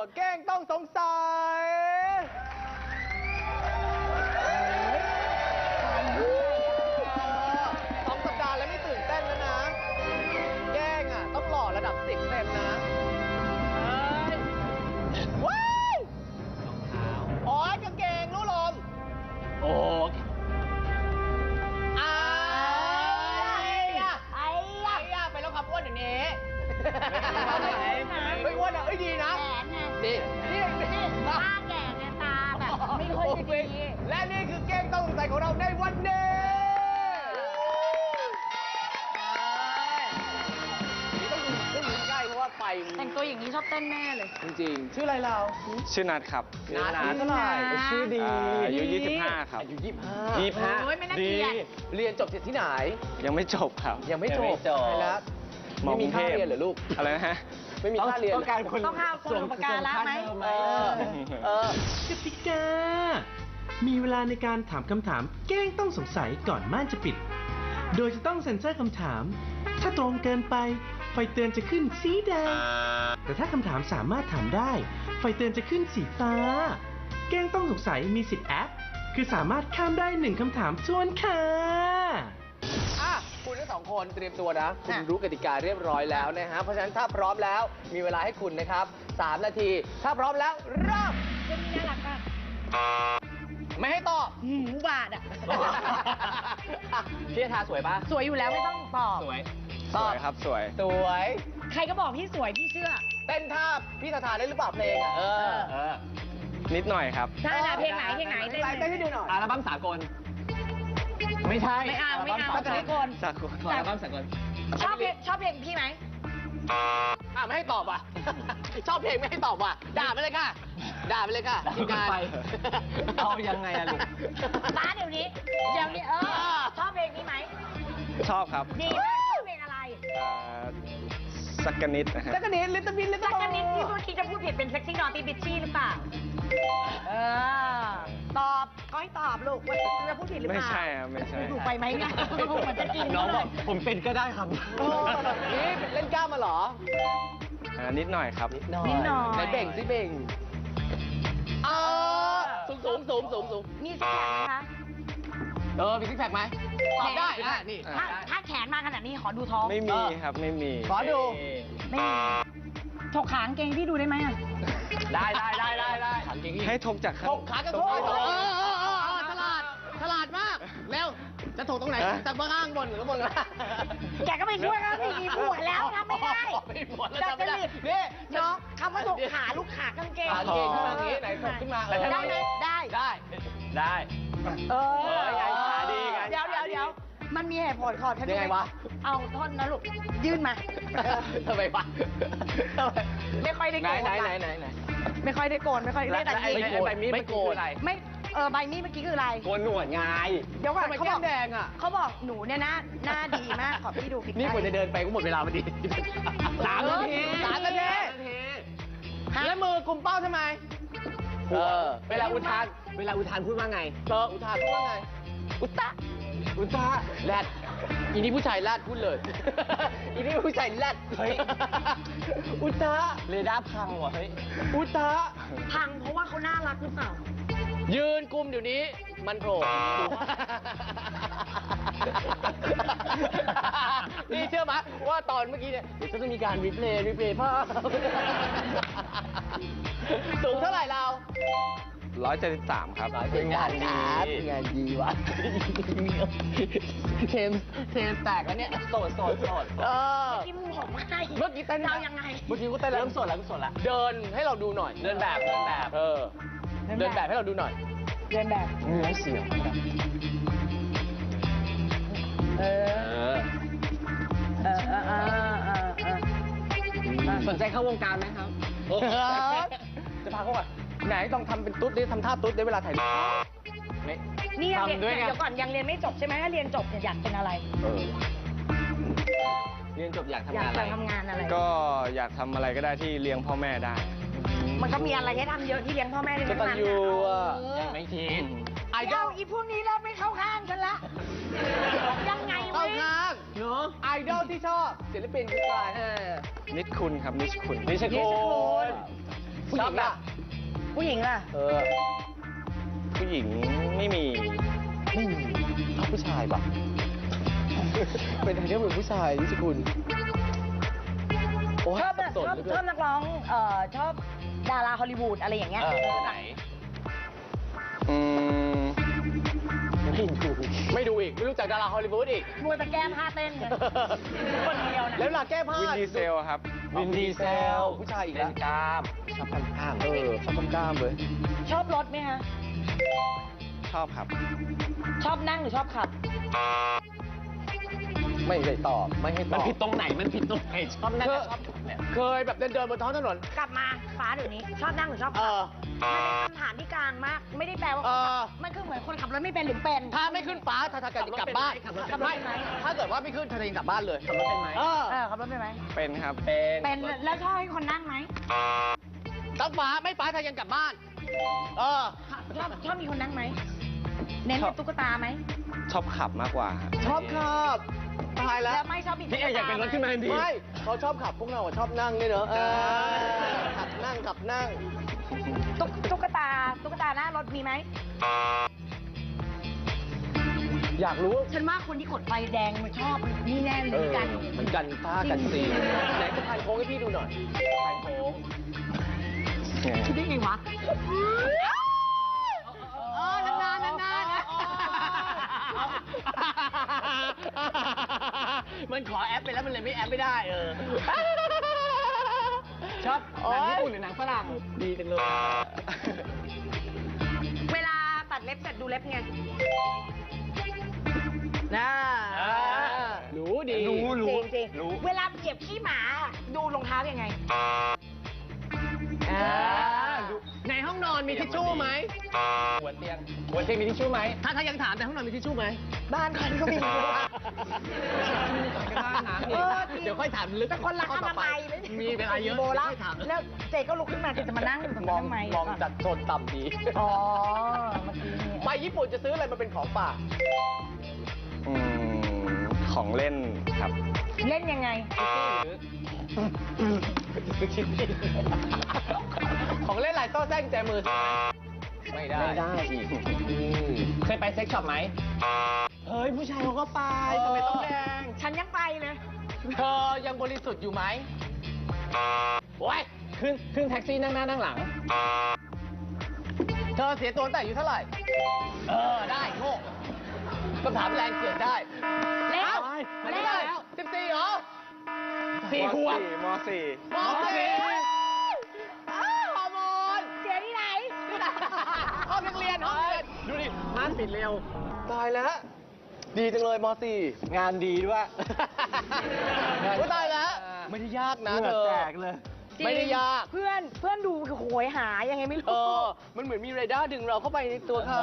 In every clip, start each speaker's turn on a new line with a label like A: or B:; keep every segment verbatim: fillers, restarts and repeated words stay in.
A: เก้งต้องสงสัยสองสัปดาห์แล้วไม่ตื่นเต้นแล้วนะแก้งอ่ะต้องหล่อระดับสิบเต็มนะว้ายอ๋อกางเกงรู้ลมโอ้ไอ้อะไอ้อะไปแล้วครับอ้วนอย่างนี้ไม่อ้วนอ่ะเอ้ยดีนะดีนี่นี่
B: ตาแก่เนี่ยตาแบบไม่ค่อยจะดี
A: และนี่คือเก้งต้องสงสัยของเราในวันนี้ต้องดูต้องดูใกล้เพราะว่าไฟ
B: แต่งตัวอย่างนี้ชอบเต้นแน่เลย
A: จริงๆชื่ออะไรเรา
C: ชื่อนัทครับ
A: นัทเท่าไหร่ชื่อดี
C: อายุยี่สิบห้าครับ
A: อายุยี่สิบห้า
C: ยี่สิบห้า
A: ดีเรียนจบจากที่ไหน
C: ยังไม่จบครับ
A: ยังไม่จบใช่แล้วไม่มีค่าเรียนเหรอลูก
C: อะไรนะฮะ
A: ไม่มีค่าเรียน
B: ต้องการคนต้องห้าคนอุปการะไหม
A: เออเออก
D: ติกามีเวลาในการถามคำถามแกล้งต้องสงสัยก่อนม่านจะปิดโดยจะต้องเซ็นเซอร์คำถามถ้าตรงเกินไปไฟเตือนจะขึ้นสีแดงแต่ถ้าคำถามสามารถถามได้ไฟเตือนจะขึ้นสีฟ้าแกล้งต้องสงสัยมีสิทธิ์แอปคือสามารถข้ามได้หนึ่งคำถามทวนค่ะ
A: อ่ะคุณทั้งสองคนเตรียมตัวนะคุณรู้กติกาเรียบร้อยแล้วนะฮะเพราะฉะนั้นถ้าพร้อมแล้วมีเวลาให้คุณนะครับสามนาทีถ้าพร้อมแล้วเริ่ม
B: เรื่องนี้น่ารักมาก
A: ไม่ให้ตอบ
B: หืมบาดอ่ะ
A: พี่ทาสวยปะ
B: สวยอยู่แล้วไม่ต้องตอบ
A: สวย
C: สวยครับสวย
A: สวย
B: ใครก็บอกพี่สวยพี่เชื่อ
A: เต้นท่าพี่ทาทาได้หรือเปล่าเพลงอ่ะเออเออ
C: นิดหน่อยครับ
B: ถ้าเพลงไหนเพลงไหนเต้น
A: เต้นให้ดูหน่อย
E: อัลบั้มสากลไม่ใช่
B: ไม่เอาไม่เอาสากล
C: สากล
E: อัลบั้มสากล
B: ชอบเพลงชอบเพลงพี่ไหม
A: อ่ะไม่ให้ตอบว่ะ ชอบเพลงไม่ให้ตอบว่ะด่าไปเลยค่ะด่าไปเลยค่ะทีมงาน
E: ไปเอายังไงอะลูก
B: บ้าเดี๋ยวนี้เดี๋ยวนี้เออชอบเพลงนี้ไหม
C: ชอบครับ
B: ดีมากชอบเพลงอะไร
C: เอ่อสักกะนิดนะฮะ
A: จักรนิดลิตเติ้ลบินลิตเติ้
B: สั
A: ล
B: กนิดที่เมื่อกี้จะพูดผิดเป็นเซ็กซี่นอตตี้บิชชี่หรือเปล่าเออตอบก็ให้ตอบลูกว่าจะพูดผิดหรือเป
C: ไม่
B: ล่า
C: ใช่ครับไม่ใช่
B: ถูกไปไหมเนี่ยมันจะกิน
E: น้องบอกผมเป็นก็ได้ครับ
A: โอ้นี่เล่นกล้ามมาเหรอ
C: อ่านิดหน่อยครับ
B: นิดหน่อย
A: ไหนเบ่งสิเบ่งเออสูงสูงสูงสูงสูง
B: มีซิกแพคไหมคะ
A: เออมีซิกแพคไหมตอบได้อ่ะนี่
B: ถ้าถ้าแขนมาขนาดนี้ขอดูท้อง
C: ไม่มีครับไม่มี
A: ขอดู
B: ไม่มีถกขางเกงพี่ดูได้ไหมอ่ะ
E: ได้ได้ได้ได้ได้ถามจริง
C: ให้ทบจากข้าง
A: ถกขากระโถนเออเออเออเออฉลาดฉลาดมากเร็วจะถกตรงไหนจากเบื้องข้างบนหรือข้างบนล่ะ
B: แกก็ไปช่วยเขาสิมีผัวแล้วทำไม่ได้
A: ไม่หมดแล้ว
B: จะ
A: จำไม่ได้
B: รีบ
A: นี่
B: น้องคำว่าถกขาลูกขากางเกง
A: ขาเก่งขึ้นมาอย่างนี้ไหนถกขึ้นมาเออ
B: ได้ไหมได้
A: ได้
E: ได้
B: เออ
A: เออไงขาดีไง
B: เดี๋ยวเดี๋ยวเดี๋ยวมันมีเหตุผลขอท่าน
A: ยังไงวะ
B: เอาท่อนนะลูกยื่นมา
A: ทำไมวะทำไม
B: ไม่ค่อยได้
A: ไหน
B: โกน
A: ไหนไหนไหนไหน
B: ไม่ค่อยได้โกนไม่ค่อยได้แต่
A: ไอ้
B: ยิง
A: ไอ้ใบมีด
E: ไม่
A: ไม่
E: โก
A: โก
E: น
A: นอะไร
B: ไม่เออใบมีดเมื่อกี้คืออะไร
E: โกนหนวดไง
B: เดี๋ยวก่อน
A: ทำไม
B: เขา
A: แก้
B: บอ
A: ม
B: ก
A: แดงอ่ะ
B: เขาบอกหนูเนี่ยหน้าหน้าดีมากขอพี่ดูผิด
A: นี่ควรจะเดินไปก็หมดเวลาพอดีสามนาทีสามนาทีแล้วมือกุมเป้าทำไมเออ
E: เวลาอุทาน เวลาอุทานพูดว่าไง
A: เอออุทานพูดว่าไง อุตตะ อุตตะแรดอีนี่ผู้ชายแรดพูดเลย อีนี่ผู้ชายแรด
E: เฮ้ย
A: อุตตะ
E: เรดาร์พังว่ะเฮ้ย
A: อุตตะ
B: พังเพราะว่าเขาน่ารักหรือเปล่า
A: ยืนกุมเดี๋ยวนี้ มันโผล่นี่เชื่อไหมว่าตอนเมื่อกี้เนี่ยเดี๋ยวจะต้องมีการรีเพลย์รีเพลย์ภาพสูงเท่าไหร่เรา
C: ร้อยเจ็ดสิบสามครับ
A: เป็นงานดีงานดีวะเทมเทมแตกแล้วเนี่ย
E: โสดโสดโสด
A: เออ
B: ที่มึงบอกว่าให้
A: เมื่อกี้เต้น
B: เรายังไง
A: เมื่อกี้ก็เต้นแล้ว
E: เริ่มโสดแล้วเริ่มโสดแล้ว
A: เดินให้เราดูหน่อย
E: เดินแบบเดินแบบ
A: เออ เดินแบบให้เราดูหน่อย
B: เดินแบบ
E: เนื้อเสียง
B: เอ
E: เอ
B: อ
E: อ
B: เออเออเออเออเออ
E: สนใจเข้าวงการไหมครับ
A: จะพาเขาก่อนไหนต้องทำเป็นตุ๊ดดิทำท่าตุ๊ดได้เวลาถ่ายรูปไม่
B: นี่ยังเรียน
E: ทำด้วยไง
B: เดี๋ยวก่อนยังเรียนไม่จบใช่ไหมถ้าเรียนจบเนี่ยอยากเป็นอะไร
A: เออ
E: เรียนจบอยากทำาย น
B: องาก
E: อะไร
B: จะทำงานอะไร
C: ก็อยากทำอะไรก็ได้ที่เลี้ยงพ่อแม่ได้
B: มันก็มีอะไรให้ทำเยอะที่เลี้ยงพ่อแม่เลี้ยง
A: กตัญญูอ่ะ
B: เออ
E: ไม่คิด
A: ไอดอ
B: เจ้า
A: ล
B: อีพวกนี้เริ่มไม่เข้าข้างฉันละยังไง
A: เข้าว
B: ะ
A: ข้าง
E: เนาะ
A: ไอดอลที่ชอบศิลปินคือใครเออ
C: นิดคุณครับนิชคุณ
E: นิช
A: นิช
E: คุ
A: คุณ
E: ณ
A: ผู้หญิงล่ะ
B: ผู้หญิงล่ะ
A: เออ
C: ผู้หญิงไม่มี
A: ไม่มีชอบผู้ชายปะ เป็นไทเทลเป็นผู้ชายนิชคุณโอ้ย
B: ชอบ
A: สั
B: นะ
A: บสน
B: ชอบ
A: เหลือเกิ
B: ชอน บนักร้องเอ่อชอบดาราฮอลลีวูดอะไรอย่างเงี้ย
A: เออ
C: ไหน อืม
A: ไม่ดูไม่ดูอีก ไม่รู้จักดาราฮอลลีวูดอีก
B: มัวแต่แก้ผ้าเต้นกันคนเดียวนะ
A: แล้วเวลาแก้ผ้า
C: วินดีเซลครับ
A: วินดีเซล ผู้ชายอีกแล้ว
C: กล้าม ชอบกล้ามกล้าม
A: เออชอบกล้ามๆเลย
B: ชอบรถไหมคะ
C: ชอบครับ
B: ชอบนั่งหรือชอบขับ
A: ไม่ได้ตอบ ไม่ให้ต
E: มัน
A: อบ
E: ผิดตรงไหน มันผิดตรงไหน ชอบนั่น
A: เค
E: กับ
A: ย
E: ชอบขับเนี่ย
A: เคยแบบเดินเดินๆบนท้องถนน
B: กลับมาฟ้าเดี๋ยวนี้ ชอบนั่งหรือชอบ
A: เอ
B: ขับ
A: อ
B: มันเป็นคำถามที่กลางมาก ไม่ได้แปลว่า
A: เออ
B: มันคือเหมือนคนขับรถไม่เป็นหรือเป็น
A: ถ้าไม่ขึ้นฟ้าถ้าถ้าจะกลับบ้าน
E: ขับรถเป็น
B: ขับรถ
A: ไม่
B: เป็นไหม
A: ถ้าเกิดว่าไม่ขึ้นเธอจะกลับบ้านเลย
E: ขับรถเป็นไหม
A: เออ
B: เออขับรถเป็นไหม
C: เป็นครับ
E: เป็น
B: เป็นแล้วชอบให้คนนั่งไหม
A: ต้องฟ้าไม่ฟ้าเธอยังกลับบ้าน เออ
B: ชอบชอบมีคนนั่งไหมเน้นเป็นตุ๊กตาไหม
C: ชอบขับมากกว่าครับ
A: ชอบขับตายแล้ว
B: แล้วไม่ชอบมี
E: พี่เออยากเป็นรถขึ้นมาทันที
A: ไม่เขาชอบขับพวกเราอะชอบนั่งเนี่ยเนอะเออขับนั่งขับนั่ง
B: ตุ๊กตุ๊กตาตุ๊กตาหน้ารถมีไหม
A: อยากรู้
B: ฉันว่าคนที่กดไฟแดงมันชอบนี่แน่เลย
A: เออ
B: กัน
A: มันกันฟ้ากันซีไหนสะพานโค้งให้พี่ดูหน่อยสะพานโค้ง
B: คิดได้ไงวะเออนานๆนานๆนะ
E: มันขอแอปไปแล้วมันเลยไม่แอปไม่ได้เออ ชอบหนังญี่ปุ่นหรือหนังฝรั่ง
A: ดีจังเลย
B: เวลาตัดเล็บเสร็จดูเล็บไงน่า
A: รู้ดี
E: รู้
B: จริงจริงๆเวลาเหยียบขี้หมาดูรองเท้ายังไง
A: อ่าดูในห้องนอนมีทิชชู่ไหม
E: หัวเตียงหัวเตียงมีทิชชู่ไหม
A: ถ้าถ้ายังถามแต่ห้องนอนมีทิชชู่ไหม
B: บ้านคนก็มี เออจริง
A: เดี๋ยวค่อยถามลึก
B: แต่คนรักอนามัย
A: มีเวลาเยอะ
B: โบราณ
A: ค่อยถาม
B: แล้วเจก็ลุกขึ้นมาจะมานั่งอยู่ตรง
A: ม
B: นี้
A: อง
B: ทำไม
A: มองจัดโซนต่ำดี
B: อ๋อเมื่อกี้นี่
A: ไปญี่ปุ่นจะซื้ออะไรมาเป็นของฝาก
C: อืม ของเล่นครับ
B: เล่นยังไง
A: ของเล่นลายโซ่แซงแจมือไม่ได้
E: ไม่ได้อีก เคยไปเซ็กช็อปไหม
A: เฮ้ย ผู้ชายเขาก็ไปทำไมต้องแดง
B: ฉันยังไปเลย
A: เธอยังบริสุทธิ์อยู่ไหมโอ้ย
E: ขึ้นขึ้นแท็กซี่นั่งหน้านั่งหลัง
A: เธอเสียตัวตั้งแต่อายุเท่าไหร่ เออ ได้โง่คำถามแรงเกิดได้
B: เร็ว
A: อ้ามันไม่ได้
B: เร็ว
A: สิบสี่เหรอ
E: สี่ขวบ
C: มสี่
A: มอสี่อ้าวฮอร์โมน
B: เสียที่ไหน
A: ห้องนักเรียนห้องนักเรียน
E: ดูดิร้านปิดเร็ว
A: ตายแล้ว ดีจังเลยมอสี่
E: งานดีด้วย
A: โอ้ยตายแล้ว ไม่ได้ยากนะเธอ
E: แจกเลย
A: ไม่ได้ยาก
B: เพื่อนเพื่อนดูโหยหายังไงไม่
A: เอ
B: รู้
A: อ มันเหมือนมีเรดาร์ดึงเราเข้าไปในตัวเขา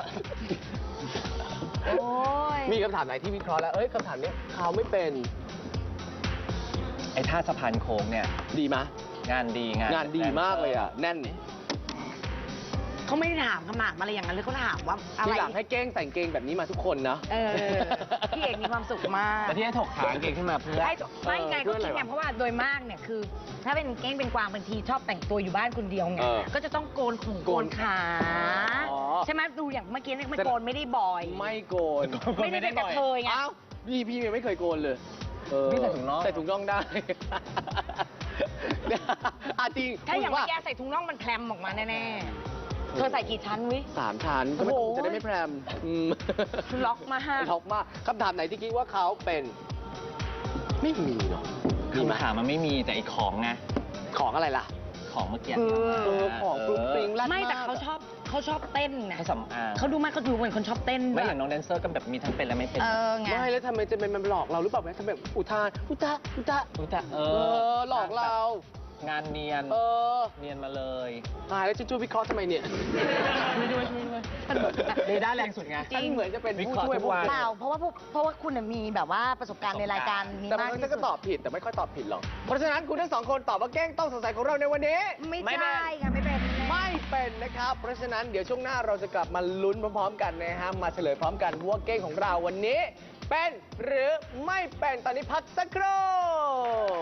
B: โอ้ย
A: มีคำถามไหนที่วิเคราะห์แล้ว เอ้ยคำถามนี้เขาไม่เป็น
E: ไอ้ท่าสะพานโค้งเนี่ย
A: ดีไหม
E: งานดีงาน
A: งานดีมากเลยอ่ะ แน่น
B: เขาไม่ได้ถามขนาดอะไรอย่างนั้นเลยเขาถามว่าอะไร
A: ทีหลังให้เก้งใส่กางเกงแบบนี้มาทุกคนนะ
B: เออพี่เอกมีความสุขมาก
E: แต่ที่ให้ถกขางเก่งขึ้นมาเพื่อ
B: ไอ้ไม่ไง
A: เพื่
B: ก็
A: ออะไร
B: คิดไง
A: วะ
B: เพราะว่าโดยมากเนี่ยคือ ถ้าเป็นเก้งเป็นกวางบางทีชอบแต่งตัวอยู่บ้านคนเดียวไง
A: เออ
B: ก็จะต้องโกนขงโกนขา
A: อ๋อ
B: ใช่ไหมดูอย่างเมื่อกี้เนี่ยไม่โกนไม่ได้บ่อย
A: ไม่โกน
B: ไม่ได้เป็นกระเทยไง
A: อ้าวพี่พี่ยังไม่เคยโกนเลยเออ
E: พี่ใส่ถุงน่อง
A: ใส่ถุงน่องได้ อ่ะจริง
B: ถ้าอย่าง
A: ว่า
B: เมื่อกี้ใส่ถุงน่องมันแคลมออกมาแน่ๆ เธอใส่กี่ชั้นวิ
A: สามชั้นก็ไม่
B: โอ้โห
A: จะได้ไม่แพรมอืม
B: ล็อกมาก
A: ล็อกมากคำถามไหนที่คิดว่าเขาเป็น ไม่มีเนาะมีไหม
E: คำถามมันไม่มีแต่ไอ้ของไง
A: ของอะไรล่ะ
E: ของเมื่อกี้
A: เออของฟรุ้งฟริ้งลั่น
B: ไม่แต่
A: ก
B: เขาชอบเขาชอบเต้นนะ
E: เขาสำอาง
B: เขาดูมากเขาดูเป็นคนชอบเต้น
E: ไม่
B: ด้ว
E: อย่างน้องแดนเซอร์ก็แบบมีทั้งเป็นและไม่เป็น
B: เออไง
A: ไม่แล้วทำไมจะเป็นมันหลอกเราหรือเปล่าทำไมอุทานอุตะอุตะ
E: รู้จักเอ
A: เอ
E: อ
A: อหลอกเรา
E: งานเนียน
A: เออ
E: เนียนมาเลย
A: ตายแล้วจะช่วยวิเคราะห์ทำไมเนี่ย
E: ช่วยด้วยช่วยด้วยเรดาร์แรงสุดไง
B: จริง
A: ฉันเหมือนจะเป็น
E: วิ
A: ผู้
E: เคราะห์
A: ช่วย
E: ทุกวัน
B: เปล่าเพราะว่าพวกเพราะว่าคุณน่ะมีแบบว่าประสบการณ์ในรายการนี้
A: แต่
B: มา
A: บาก งครั้ง
B: ที่
A: ฉันก็ตอบผิดแต่ไม่ค่อยตอบผิดหรอก เพราะฉะนั้นคุณทั้งสองคนตอบว่าแกล้งต้องสงสัยของเราในวันนี้
B: ไม่
E: ไม่เป็น
B: ใช่ค่ะไม่เป็น
A: ไม่เป็นนะครับ เพราะฉะนั้นเดี๋ยวช่วงหน้าเราจะกลับมาลุ้นพร้อมๆกันนะฮะ มาเฉลยพร้อมกันว่าเก้งของเราวันนี้ เป็นหรือไม่เป็นตอนนี้พักสักครู่